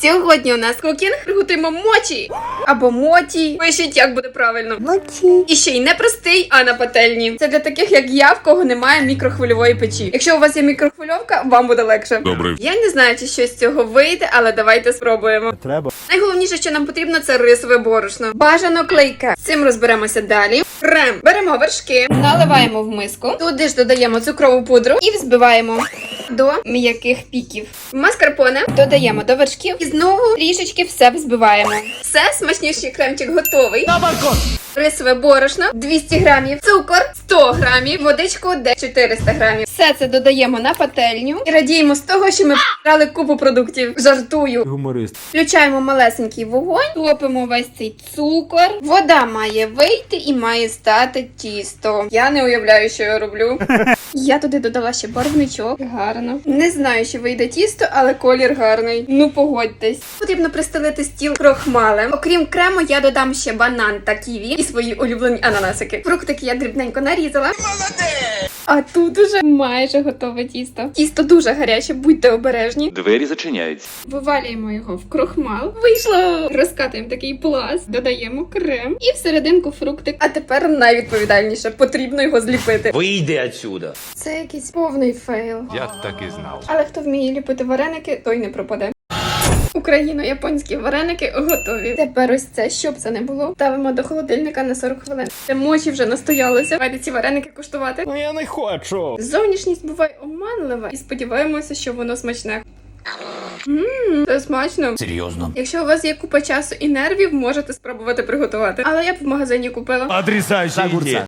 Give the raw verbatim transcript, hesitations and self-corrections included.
Сьогодні у нас кукінг, приготуємо мочі або моті. Пишіть, як буде правильно. Моті. І ще й не простий, а на пательні. Це для таких, як я, в кого немає мікрохвильової печі. Якщо у вас є мікрохвильовка, вам буде легше. Добре. Я не знаю, чи щось з цього вийде, але давайте спробуємо. Треба. Найголовніше, що нам потрібно, це рисове борошно. Бажано клейке. З цим розберемося далі. Крем. Беремо вершки, наливаємо в миску. Туди ж додаємо цукрову пудру і взбиваємо до м'яких піків. Маскарпоне додаємо до вершків і знову трішечки все взбиваємо. Все, смачніший кремчик готовий. На балкон! Рисове борошно двісті грамів, цукор сто грамів, водичку десь чотириста грамів. Все це додаємо на пательню і радіємо з того, що ми брали купу продуктів. Жартую. Гуморист. Включаємо малесенький вогонь, топимо весь цей цукор. Вода має вийти і має стати тісто. Я не уявляю, що я роблю. Я туди додала ще барвничок. Гарно. Не знаю, чи вийде тісто, але колір гарний. Ну погодьтесь. Потрібно пристелити стіл крохмалем. Окрім крему, я додам ще банан та ківі і свої улюблені ананасики. Фруктики я дрібненько нарізала. Молодець! А тут уже майже готове тісто. Тісто дуже гаряче, будьте обережні. Двері зачиняються. Вивалюємо його в крохмал. Вийшло! Розкатуємо такий пласт, додаємо крем і всерединку фруктик. А тепер найвідповідальніше. Потрібно його зліпити. Вийди отсюда. Це якийсь повний фейл. Я так і знав. Але хто вміє ліпити вареники, той не пропаде. Україно-японські вареники готові. Тепер ось це, щоб це не було, ставимо до холодильника на сорок хвилин. Це мочі вже настоялися. Давайте ці вареники куштувати. Ну я не хочу. Зовнішність буває оманлива і сподіваємося, що воно смачне. Ммм, це смачно. Серйозно? Якщо у вас є купа часу і нервів, можете спробувати приготувати. Але я б в магазині купила. Отрицающий идея.